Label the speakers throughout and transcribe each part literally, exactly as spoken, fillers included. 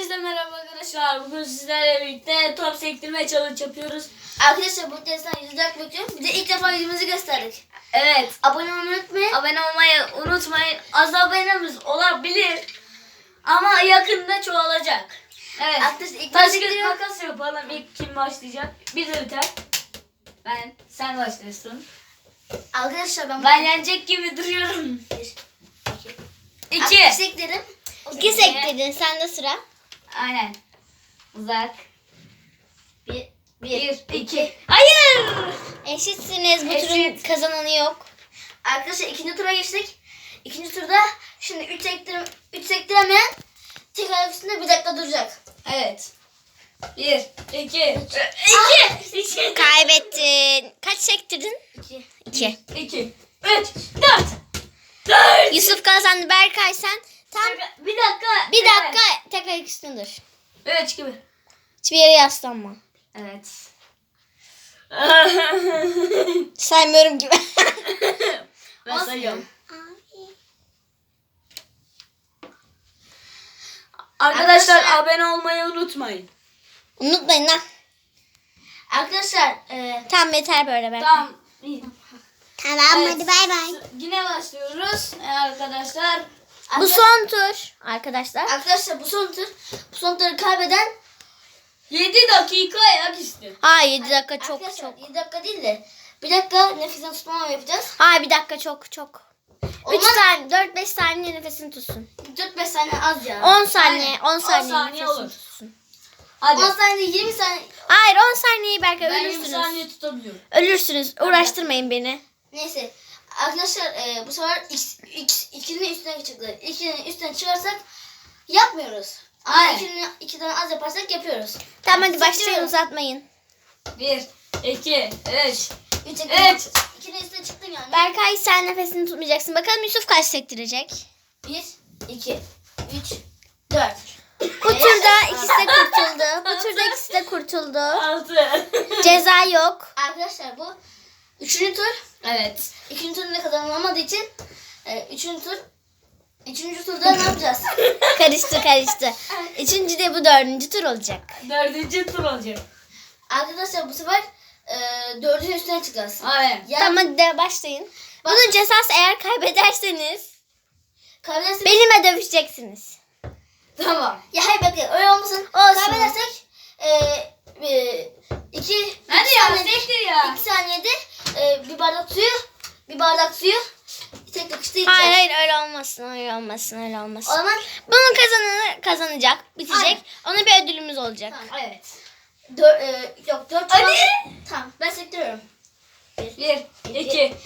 Speaker 1: Herkese merhaba arkadaşlar. Bugün sizlerle birlikte top sektirme challenge yapıyoruz.
Speaker 2: Arkadaşlar bu testten yüz like bekliyorum. Bir de ilk defa yüzümüzü gösterdik.
Speaker 1: Evet.
Speaker 2: Abone olmayı unutmayın.
Speaker 1: Abone olmayı unutmayın. Az abonemiz olabilir. Ama yakında çoğalacak. Evet.
Speaker 2: Arkadaşlar ilk
Speaker 1: Taş
Speaker 2: başta
Speaker 1: kağıt makas yapalım. İlk kim başlayacak? Bir de biter. Ben, sen başlıyorsun.
Speaker 2: Arkadaşlar ben
Speaker 1: Ben yenecek gibi duruyorum.
Speaker 2: Bir,
Speaker 1: İki.
Speaker 2: Arkadaşlar sektirim.
Speaker 3: İki sektirdin. Sende sıra.
Speaker 1: Aynen. Uzak.
Speaker 2: Bir,
Speaker 1: Bir, iki. Hayır.
Speaker 3: Eşitsiniz. Bu
Speaker 1: Eşit.
Speaker 3: turun kazananı yok.
Speaker 2: Arkadaşlar ikinci tura geçtik. İkinci turda şimdi üç sektirim, üç sektiremeyen tek ayak üstünde bir dakika duracak.
Speaker 1: Evet. Bir, iki, iki, iki,
Speaker 3: Kaybettin. Kaç sektirdin?
Speaker 2: İki.
Speaker 3: İki.
Speaker 1: iki, üç, dört, dört.
Speaker 3: Yusuf kazandı. Berkay sen tam
Speaker 1: Bir dakika.
Speaker 3: bir dakika tek ayak üstünde dur.
Speaker 1: Evet gibi.
Speaker 3: Hiçbir yere yaslanma.
Speaker 1: Evet.
Speaker 3: Saymıyorum gibi.
Speaker 1: Ben sayıyorum. Arkadaşlar
Speaker 2: Arkadaşlar-
Speaker 1: abone olmayı unutmayın.
Speaker 3: Unutmayın lan.
Speaker 2: Arkadaşlar e,
Speaker 3: Tamam yeter böyle Berkay.
Speaker 1: Tamam. iyi.
Speaker 3: Tamam
Speaker 1: Evet.
Speaker 3: hadi bay bay.
Speaker 1: Yine başlıyoruz Ee, arkadaşlar.
Speaker 3: Bu son tur arkadaşlar.
Speaker 2: arkadaşlar bu son tur. Bu son turu kaybeden
Speaker 1: yedi dakika ayak üstü.
Speaker 3: Ha yedi dakika çok
Speaker 2: arkadaşlar
Speaker 3: çok.
Speaker 2: yedi dakika değil de bir dakika nefesini tutmama yapacağız.
Speaker 3: Ha bir dakika çok çok. üç
Speaker 2: Olmaz.
Speaker 3: saniye dört beş saniye nefesini tutsun.
Speaker 2: dört beş saniye az ya.
Speaker 3: on saniye
Speaker 1: Aynen.
Speaker 3: on
Speaker 1: on
Speaker 3: saniye,
Speaker 1: saniye
Speaker 3: nefesini
Speaker 1: olur.
Speaker 3: tutsun.
Speaker 1: Hadi.
Speaker 2: on saniye yirmi saniye.
Speaker 3: Hayır on saniyeyi Berkay
Speaker 1: Ben yirmi
Speaker 3: ölürsünüz.
Speaker 1: saniye tutabiliyorum.
Speaker 3: Ölürsünüz. Uğraştırmayın beni.
Speaker 2: Neyse. Arkadaşlar e, bu sefer x, x, ikinin üstüne çıktı. ikinin üstüne çıkarsak yapmıyoruz. Ama
Speaker 1: Aynen.
Speaker 2: ikinin, ikiden az yaparsak yapıyoruz.
Speaker 3: Tamam hadi başlayın
Speaker 2: Seçiyorum.
Speaker 3: uzatmayın.
Speaker 1: Bir, iki, üç.
Speaker 2: Üç,
Speaker 1: Evet.
Speaker 2: İkinin üstüne çıktın yani.
Speaker 3: Berkay sen nefesini tutmayacaksın. Bakalım Yusuf kaç sektirecek?
Speaker 2: Bir, iki, üç, dört.
Speaker 3: Bu turda ikisi de kurtuldu. Bu turda ikisi de kurtuldu.
Speaker 1: Altı.
Speaker 3: Ceza yok.
Speaker 2: Arkadaşlar bu üçüncü tur.
Speaker 1: Evet.
Speaker 2: İkinci turda kazanılamadığı için e, üçüncü tur. Üçüncü turda ne yapacağız?
Speaker 3: Karıştı karıştı. Üçüncü de bu dördüncü tur olacak.
Speaker 1: Dördüncü tur olacak.
Speaker 2: Arkadaşlar bu sefer e, dördüncü üstüne çıkacağız.
Speaker 1: Aynen.
Speaker 2: Yani
Speaker 3: Tamam hadi de başlayın. Bunun cezası eğer kaybederseniz
Speaker 2: kaybedersek...
Speaker 3: benimle dövüşeceksiniz.
Speaker 2: Tamam. Ya hayır bakın öyle olmasın.
Speaker 3: Olsun.
Speaker 2: Kaybedersek e, e, iki,
Speaker 1: Hadi
Speaker 2: iki
Speaker 1: ya
Speaker 2: saniyede,
Speaker 1: sektir ya.
Speaker 2: iki saniyede e, bir bardak suyu bir bardak suyu tek takışta içeceğiz.
Speaker 3: Hayır hayır öyle olmasın öyle olmasın öyle
Speaker 2: O
Speaker 3: olmasın.
Speaker 2: zaman
Speaker 3: Bunun kazananı kazanacak, bitecek.
Speaker 2: Aynen.
Speaker 3: Ona bir ödülümüz olacak.
Speaker 2: tamam.
Speaker 1: Evet.
Speaker 2: Dör, e, yok dört
Speaker 1: Hadi.
Speaker 2: falan- Tamam ben sektiriyorum.
Speaker 1: Bir, iki. İki.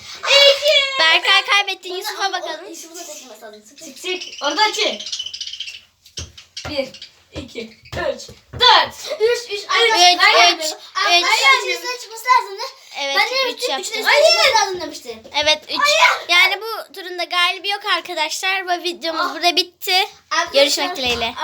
Speaker 3: Berkay kaybettin.
Speaker 2: Bunu-
Speaker 3: Yusuf'a
Speaker 2: o-
Speaker 3: bakalım.
Speaker 2: o- Yusuf'a da çekilmesi lazım. Sık sık.
Speaker 1: Çık çık. Orada çık. Bir, iki, üç, dört.
Speaker 2: Üç, üç.
Speaker 3: Üç,
Speaker 2: Arkadaşlar, ben
Speaker 3: üç,
Speaker 2: yapıyorum.
Speaker 3: üç.
Speaker 2: Arkadaşlar üstüne çıkması lazımdı.
Speaker 3: Evet
Speaker 2: Ben de
Speaker 3: üç
Speaker 2: üstüne
Speaker 3: yaptın.
Speaker 2: üstüne çıkması lazım demiştim.
Speaker 3: Evet üç. Yani bu turun da galibi yok arkadaşlar. Bu videomuz
Speaker 2: Ah.
Speaker 3: burada bitti.
Speaker 2: Arkadaşlar-
Speaker 3: Görüşmek dileğiyle.